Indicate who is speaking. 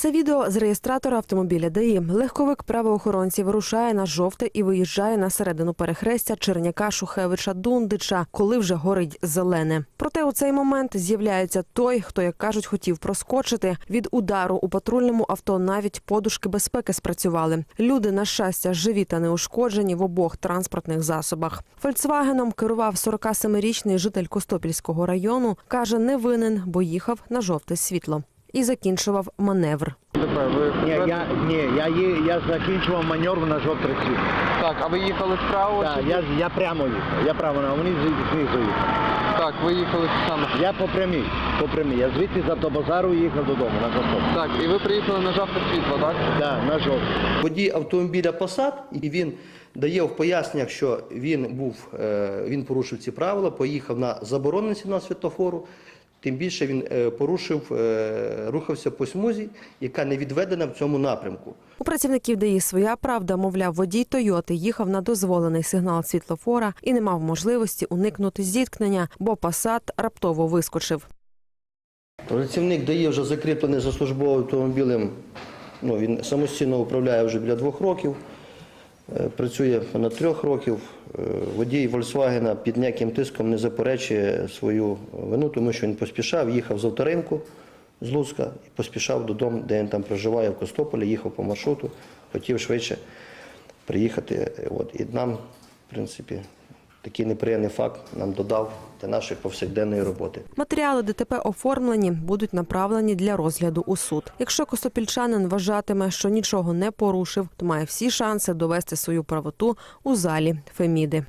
Speaker 1: Це відео з реєстратора автомобіля ДАІ. Легковик правоохоронців вирушає на жовте і виїжджає на середину перехрестя Черняка, Шухевича, Дундича, коли вже горить зелене. Проте у цей момент з'являється той, хто, як кажуть, хотів проскочити. Від удару у патрульному авто навіть подушки безпеки спрацювали. Люди, на щастя, живі та неушкоджені в обох транспортних засобах. «Фольксвагеном» керував 47-річний житель Костопільського району. Каже, не винен, бо їхав на жовте світло. І закінчував маневр.
Speaker 2: Я закінчував маневр на жовтий світ.
Speaker 3: Так, а ви їхали вправо?
Speaker 2: Так, я прямо їхав. Я право, а вони знизу їхали.
Speaker 3: Так, ви їхали саме.
Speaker 2: Я по прямій. Я звідти з автобазару їхав додому на Костопіль.
Speaker 3: Так, і ви приїхали на жовте світло, так?
Speaker 2: Так, на жовте.
Speaker 4: Водій автомобіля Passat, і він дає в поясненнях, що він порушив ці правила, поїхав на заборонений сигнал світлофору. Тим більше він рухався по смузі, яка не відведена в цьому напрямку.
Speaker 1: У працівників ДАІ своя правда, мовляв, водій «Тойоти» їхав на дозволений сигнал світлофора і не мав можливості уникнути зіткнення, бо «Пасат» раптово вискочив.
Speaker 4: Працівник ДАІ вже закріплений за службовим автомобілем, він самостійно управляє вже біля 2 років, працює понад 3 років. Водій «Фольксвагена» під ніяким тиском не заперечує свою вину, тому що він поспішав, їхав з авторинку з Луцька і поспішав додому, де він там проживає, в Костополі, їхав по маршруту, хотів швидше приїхати. І нам, в принципі, такий неприємний факт нам додав для нашої повсякденної роботи.
Speaker 1: Матеріали ДТП оформлені, будуть направлені для розгляду у суд. Якщо костопільчанин вважатиме, що нічого не порушив, то має всі шанси довести свою правоту у залі Феміди.